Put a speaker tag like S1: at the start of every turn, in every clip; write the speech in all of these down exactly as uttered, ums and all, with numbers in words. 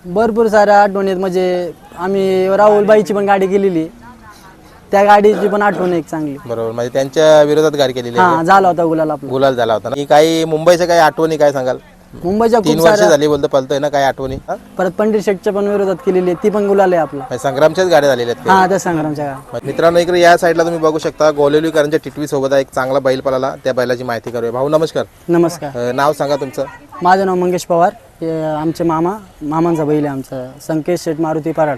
S1: भरपूर साऱ्या आठवणी आहेत. म्हणजे आम्ही राहुलबाईची पण गाडी केलेली, त्या गाडीची पण आठवण एक चांगली.
S2: बरोबर, म्हणजे त्यांच्या विरोधात गाडी केलेली आहे.
S1: हा झाला होता गुलाल आपला.
S2: गुलाल झाला होता ना. काही मुंबईच्या काही आठवणी काय सांगाल?
S1: मुंबईच्या
S2: तीन
S1: खूप
S2: वर्ष
S1: साऱ्या,
S2: झाली बोलतो पलतोय ना, काय आठवणी? हा?
S1: परत पंडित शेठच्या पण विरोधात केलेली आहे, ती पण गुलाल आहे आपला.
S2: म्हणजे संग्रामच्याच गाड्या झालेल्या आहेत
S1: हा त्या संग्रामच्या गाडी.
S2: का? मित्रांनो, इकडे या साईडला तुम्ही बघू शकता गोलेलीकरांच्या टिटवी सोबत एक चांगला बैल पळाला, त्या बैलाची माहिती करूया. भाऊ नमस्कार.
S1: नमस्कार.
S2: अं, नाव सांगा तुमचं.
S1: माझं नाव मंगेश पवार. हे आमचे मामा मामांचा बैल आहे आमचा संकेश शेठ मारुती पराड,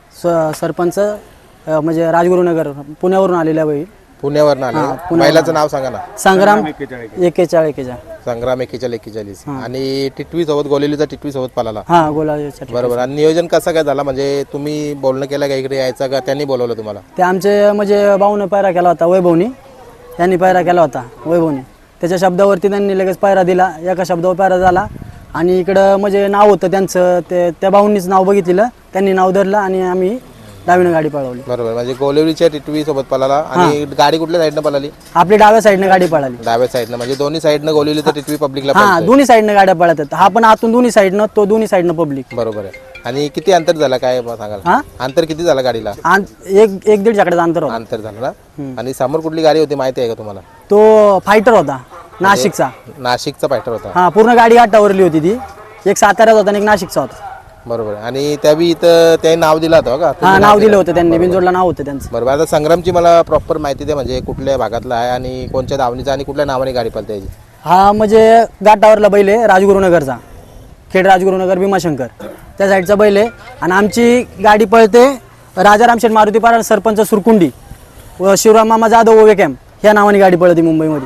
S1: स सरपंच अ, म्हणजे राजगुरुनगर पुण्यावरून आलेला बैल.
S2: पुण्यावर आले. बैलाचं नाव सांगा ना.
S1: संग्राम एकेचाळ एकेचाळ
S2: संग्राम एकेचाळीस एकेचाळीस आणि टिटवी सोबत गोलेलीचा टिटवी सोबत पळाला.
S1: हा गोलाल.
S2: बरोबर. आणि नियोजन कसं काय झाला? म्हणजे तुम्ही बोलणं केलं का इकडे यायचं का त्यांनी बोलवलं तुम्हाला?
S1: ते आमचे म्हणजे भाऊने पायरा केला होता, वैभवनी यांनी पायरा केला होता वैभवनी. त्याच्या शब्दावरती त्यांनी लगेच पायरा दिला, एका शब्दावर पायरा झाला. आणि इकडं म्हणजे नाव होतं त्यांचं, ते त्या भाऊंनीच नाव बघितलेलं, त्यांनी नाव धरलं आणि आम्ही डावीनं गाडी पळवली.
S2: बरोबर, म्हणजे गोलेलीच्या टिटवी सोबत पळाला. आणि गाडी कुठल्या साईडनं पळाली?
S1: आपली डाव्या साईडनं गाडी पळाली.
S2: डाव्या साईडनं, म्हणजे दोन्ही साईडनं गोलेलीचा टिटवी पब्लिकला
S1: हा
S2: पळतोय.
S1: दोन्ही साईडनं गाड्या पळतात. हा पण आतून दोन्ही साईडनं, तो दोन्ही साईडनं पब्लिक.
S2: बरोबर आहे. आणि किती अंतर झाला काय सांगाल?
S1: हा
S2: अंतर किती झालं गाडीला?
S1: आन- एक एक दीड चाकड्याचं अंतर होतं.
S2: अंतर झालं ना. आणि समोर कुठली गाडी होती माहिती आहे का तुम्हाला?
S1: तो फायटर होता नाशिकचा.
S2: नाशिकचा फायटर होता.
S1: हा पूर्ण गाडी आटावरली होती ती. एक साताऱ्याचा होता आणि एक नाशिकचा होता.
S2: बरोबर. आणि त्यावेळी इथं त्यांनी नाव दिलं होतं का?
S1: हा नाव दिलं होतं त्यांनी, बिनजोडला नाव होतं त्यांचं.
S2: बरोबर. आता संग्रामची मला प्रॉपर माहिती दे, म्हणजे कुठल्या भागातला आहे आणि कोणत्या धावणीचा आणि कुठल्या नावाने गाडी पळते याची?
S1: हा म्हणजे घाटावरला बैल आहे, राजगुरुनगरचा, खेड राजगुरुनगर भीमाशंकर त्या साईडचा बैल आहे. आणि आमची गाडी पळते राजाराम शेठ मारुती पाराड सरपंच सुरकुंडी व शिवराम मामा जाधव ओवे कॅम्प ह्या नावाने गाडी पळते मुंबईमध्ये.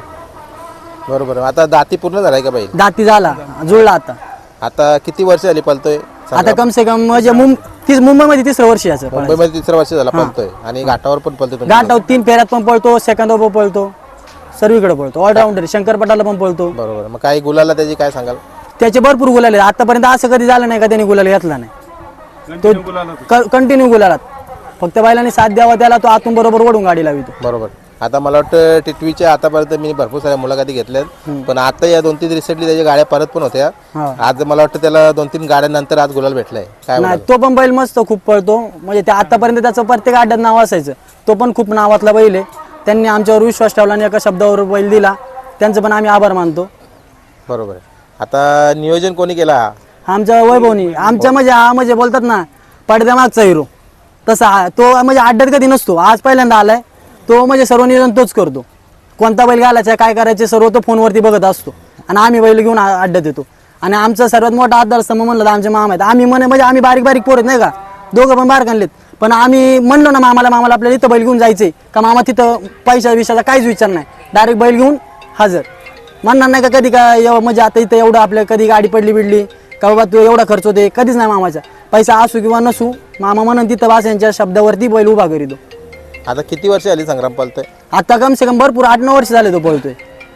S2: बरोबर. आता दाती पूर्ण झालाय का बैल?
S1: दाती झाला, जुळला आता.
S2: आता किती वर्ष झाली पळतोय?
S1: आता कम से कम म्हणजे मुं तीस मुंबईमध्ये तिसरं वर्ष याचं.
S2: मुंबईमध्ये तिसरं वर्ष झाला पळतोय. आणि घाटावर पण पळतोय तुम्ही?
S1: घाटावर तीन फेऱ्यात पण पळतो, सेकंदावर पण पळतो, सर्वीकडे पळतो, ऑलराऊंडर. शंकरपटाला पण पळतो.
S2: बरोबर. मग काही गुलाला त्याची काय सांगाल?
S1: त्याचे भरपूर गुलाल आहेत. आतापर्यंत असं कधी झालं नाही का त्यांनी गुलाल घेतला नाही. तो कंटिन्यू गुलालात, फक्त बैलांनी साथ द्यावा त्याला, तो आतून बरोबर ओढून गाडी लावितो.
S2: बरोबर. आता मला वाटतं टिटवीच्या आतापर्यंत मी भरपूर साऱ्या मुलाखती घेतल्यात, पण आता या दोन तीन रिसेंटली त्याच्या गाड्या परत पण होत्या.
S1: हा.
S2: आज मला वाटतं त्याला दोन तीन गाड्यांनंतर आज गुलाल भेटलाय. काय
S1: नाही,
S2: बोलाल?
S1: तो पण बैल मस्त खूप पळतो. म्हणजे ते आतापर्यंत त्याचं प्रत्येक अड्ड्यात नाव असायचं. तो पण खूप नावातला बैल आहे. त्यांनी आमच्यावर विश्वास ठेवला आणि एका शब्दावर बैल दिला, त्यांचं पण आम्ही आभार मानतो.
S2: बरोबर आहे. आता नियोजन कोणी केला?
S1: आमच्या वैभवनी. आमच्या म्हणजे हा म्हणजे बोलतात ना पडद्यामागचा हिरो, तसा हा. तो म्हणजे अड्ड्यात कधी नसतो, आज पहिल्यांदा आलाय. तो म्हणजे सर्व नियोजन तोच करतो. कोणता बैल घालायचा, काय करायचे सर्व तो फोनवरती बघत असतो. आणि आम्ही बैल घेऊन आ- अड्ड्यात येतो. आणि आमचा सर्वात मोठा आधारस्तंभ म्हणलं तर आमचे मामा आहेत. आम्ही म्हणे म्हणजे आम्ही बारीक बारीक पोरत नाही का, दोघं पण बाहेर आणलेत, पण आम्ही म्हणलो ना मामाला, मामाला आपल्याला इथं बैल घेऊन जायचंय का, मामा तिथं पैशा विषयाचा काहीच विचार नाही, डायरेक्ट बैल घेऊन हजर. म्हणणार नाही का कधी काय एव- म्हणजे आता इथं एवढं आपल्या कधी गाडी पडली बिडली का बाबा तू एवढा खर्च होते, कधीच नाही मामाचा. पैसा असू किंवा नसू, मामा म्हणून तिथं वास यांच्या शब्दावरती बैल उभा करीतो.
S2: आता किती वर्ष झाली संग्राम पळतोय?
S1: आता कम से कम भरपूर आठ नऊ वर्ष झाले तो पळतोय.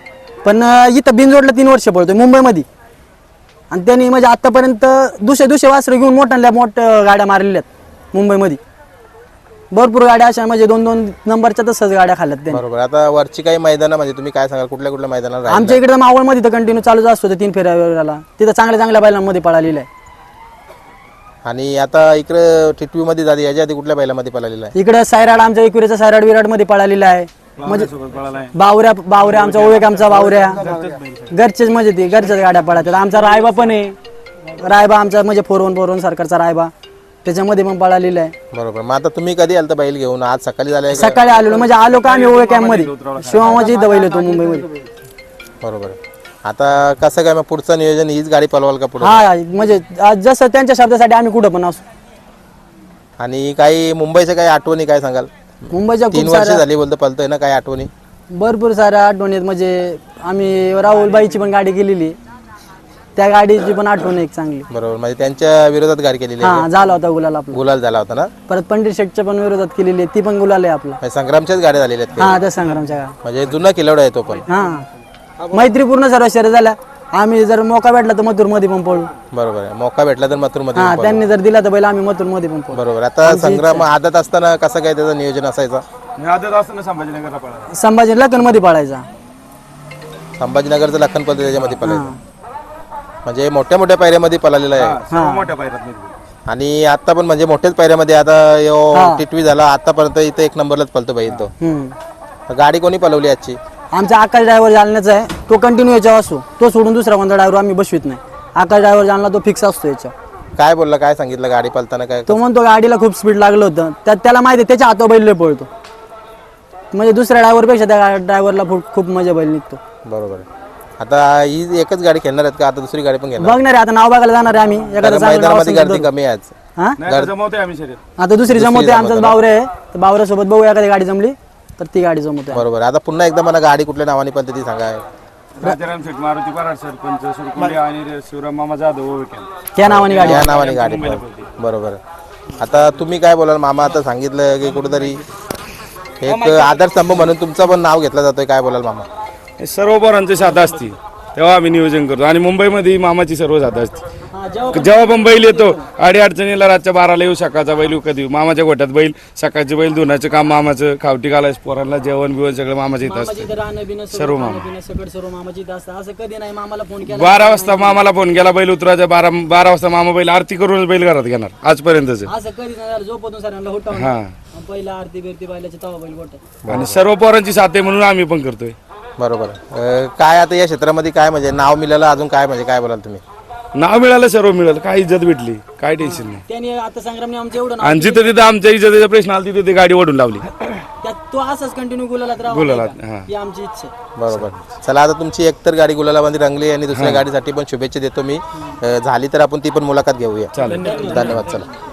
S1: पण अं, इथं बिनजोडला तीन वर्ष पळतोय मुंबईमध्ये. आणि त्यांनी म्हणजे आतापर्यंत दुसरे दुसरे वासरं घेऊन मोठ्या मोठ्या गाड्या मारलेल्या आहेत मुंबईमध्ये. भरपूर गाड्या अशा म्हणजे दोन दोन नंबरच्या तसंच गाड्या खाल्ल्यात त्यांनी.
S2: बरोबर. आता वरची काही मैदानं म्हणजे तुम्ही काय सांगाल, कुठल्या कुठल्या मैदानाला राहिला?
S1: आमच्या इकडे मावळमध्ये तर कंटिन्यू चालूच असतो ते तीन फेऱ्याला. तिथं चांगल्या चांगल्या बैलांमध्ये पळालेलं आहे.
S2: आणि आता इकडे टिटवी मध्ये झाली, याच्या आधी कुठल्या बैलामध्ये पळालेला आहे?
S1: इकडे सायराड, आमच्या इकडचा सायराड विराट मध्ये पळालेला आहे. म्हणजे बावऱ्या बावऱ्या आमचा ओळख, आमचा बावऱ्या घरचेच म्हणजे ते घरच्याच गाड्या पळतात. आमचा रायबा पण आहे, रायबा आमचा म्हणजे फोर वन फोर वन सरकारचा रायबा, त्याच्यामध्ये पण पळालेला आहे.
S2: बरोबर. मग आता तुम्ही कधी आलता बैल घेऊन? आज सकाळी झालाय का?
S1: सकाळी आलेलो म्हणजे आलो का आम्ही ओळख कॅम्प मध्ये, शिवामाची इथं बैल होतो मुंबईमध्ये.
S2: बरोबर. आता कसं काय मग पुढचं नियोजन, हीच गाडी पळवाल का पुढे?
S1: हा म्हणजे आज जसं त्यांच्या शब्दासाठी आम्ही कुठं पण असू.
S2: आणि काही मुंबईच्या काही आठवणी काय सांगाल?
S1: मुंबईच्या
S2: तीन
S1: खूप
S2: वर्ष
S1: साऱ्या
S2: झाली बोलतो पळतोय ना, काही आठवणी?
S1: भरपूर साऱ्या आठवणी आहेत. म्हणजे आम्ही राहुलबाईची पण गाडी केलेली, त्या गाडीची पण आठवण एक चांगली.
S2: बरोबर. म्हणजे त्यांच्या विरोधात गाडी केलेली आहे.
S1: हा झाला होता गुलाल आपला.
S2: गुलाल झाला होता ना.
S1: परत पंडित शेठच्या पण विरोधात केलेली आहे, ती पण गुलाल आहे आपला.
S2: म्हणजे संग्रामच्याच गाड्या झालेल्या आहेत
S1: हा
S2: का?
S1: त्या संग्रामच्या गाडी.
S2: म्हणजे जुना किल्लावडा आहे तो पण.
S1: हा मैत्रीपूर्ण सर्व शर्यत झाल्या. आम्ही जर मौका भेटला तर मथुर मध्ये पण पळू.
S2: बरोबर आहे. मौका भेटला तर मथुर मध्ये
S1: हा त्यांनी जर दिला तर बैल आम्ही मथुर मध्ये पण पळू.
S2: बरोबर. आता संग्राम आदत असताना कसं काय त्याचं नियोजन असायचं?
S3: संभाजीनगरला पळाला.
S1: संभाजी लखन मध्ये पळायचा.
S2: संभाजीनगरचं लखन पळतो त्याच्यामध्ये पळायचं. म्हणजे मोठ्या मोठ्या पायऱ्यामध्ये पळालेला आहे.
S3: सर्व मोठ्या पायऱ्यात
S2: आणि आता पण म्हणजे मोठ्याच पायऱ्यामध्ये आता यो
S1: हा.
S2: टिटवी झाला आतापर्यंत इथे एक नंबरलाच पळतो बैल तो.
S1: हम्म.
S2: गाडी कोणी पळवली आजची?
S1: आमचा आकाश ड्रायव्हर जालन्याचा आहे, तो कंटिन्यू याच्यावर असतो. तो सोडून दुसरा कोणता ड्रायव्हर आम्ही बसवित नाही. आकाश ड्रायव्हर जालना तो फिक्स असतो याच्यावर.
S2: काय बोलला, काय सांगितलं गाडी पळताना काय?
S1: तो म्हणतो गाडीला खूप स्पीड लागलं होतं, त्यात त्याला माहिती आहे त्याच्या हातावर बैल लय पळतो. म्हणजे दुसऱ्या ड्रायव्हरपेक्षा त्या ड्रायव्हरला खूप मजा बैल निघतो.
S2: बरोबर आहे. आता ही एकच गाडी खेळणार आहेत का आता दुसरी गाडी पण घेणार?
S1: बघणार आहे आता, नाव बघायला जाणार आहे आम्ही. एखादं चांगलं नाव
S2: मैदानामध्ये
S1: असेल तर
S2: गर्दी कमी आहे आज.
S1: हा
S3: नाही तर जमवते आम्ही शर्यत.
S1: आता दुसरी जमवते, आमचाच बावरे आहे, तर बावऱ्यासोबत बघू एखादी गाडी जमली तर ती गाडी जमवते.
S2: बरोबर. आता पुन्हा एकदा मला गाडी कुठल्या नावाने पण ती सांगा.
S3: राजाराम शेठ, मारुती पराड सरपंच सुरकुंडे आणि शिवराम मामा जाधव ओळखेल.
S1: त्या नावाने गाडी
S2: या नावाने गाडी पळते. बरोबर. आता तुम्ही काय बोलाल मामा? आता सांगितलं की कुठेतरी एक आधारस्तंभ म्हणून तुमचं पण नाव घेतलं जातोय, काय बोलाल मामा?
S3: हे सर्व पोरांची साधा असती तेव्हा आम्ही नियोजन करतो. आणि मुंबईमध्ये मामाची सर्व साधा असते. जेव्हा पण बैल येतो अडी अडचणीला रातच्या बाराला येऊ, सकाळचा बैल विकत येऊ. मामाच्या गोठ्यात बैल, सकाळचे बैल धुण्याचं काम मामाचं, खावटी घालायचं पोरांना, जेवण बिवण सगळं मामाच्या इथं असतं. सर्व मामा.
S1: सर्व मामाची इथं असतं. असं कधी नाही मामाला फोन केला
S3: बारा वाजता मामाला फोन केला बैल उतरायचा, बारा बारा वाजता मामा बैल आरती करून बैल घरात घेणार आजपर्यंतच.
S1: असं कधी नाही झालं. झोपतून सरांना उठवून
S3: हा.
S1: पहिला आरती बिरती बैलाची तवा बैल गोठ्यात.
S3: आणि सर्व पोरांची साथ आहे म्हणून आम्ही पण करतोय.
S2: बरोबर. अं, काय आता या क्षेत्रामध्ये काय म्हणजे नाव मिळालं अजून काय म्हणजे काय बोलाल तुम्ही?
S3: नाव मिळालं, सर्व मिळालं, काय इज्जत भेटली, काय टेन्शन नाही.
S1: त्याने आता संग्रामने आमचं एवढं नाव
S3: आणि जिथं तिथं आमच्या इज्जतीचा प्रश्न आला तिथे ती गाडी ओढून लावली.
S1: त्यात तो असंच कंटिन्यू गुलालात राहावा
S3: गुलालात,
S1: नाही का?
S3: हा.
S1: ही आमची इच्छा आहे.
S2: बरोबर. चला आता तुमची एकतर गाडी गुलालामध्ये रंगली आणि दुसऱ्या गाडीसाठी पण शुभेच्छा देतो मी. अं, झाली तर आपण ती पण मुलाखत घेऊया.
S3: चालेल.
S2: धन्यवाद. चला.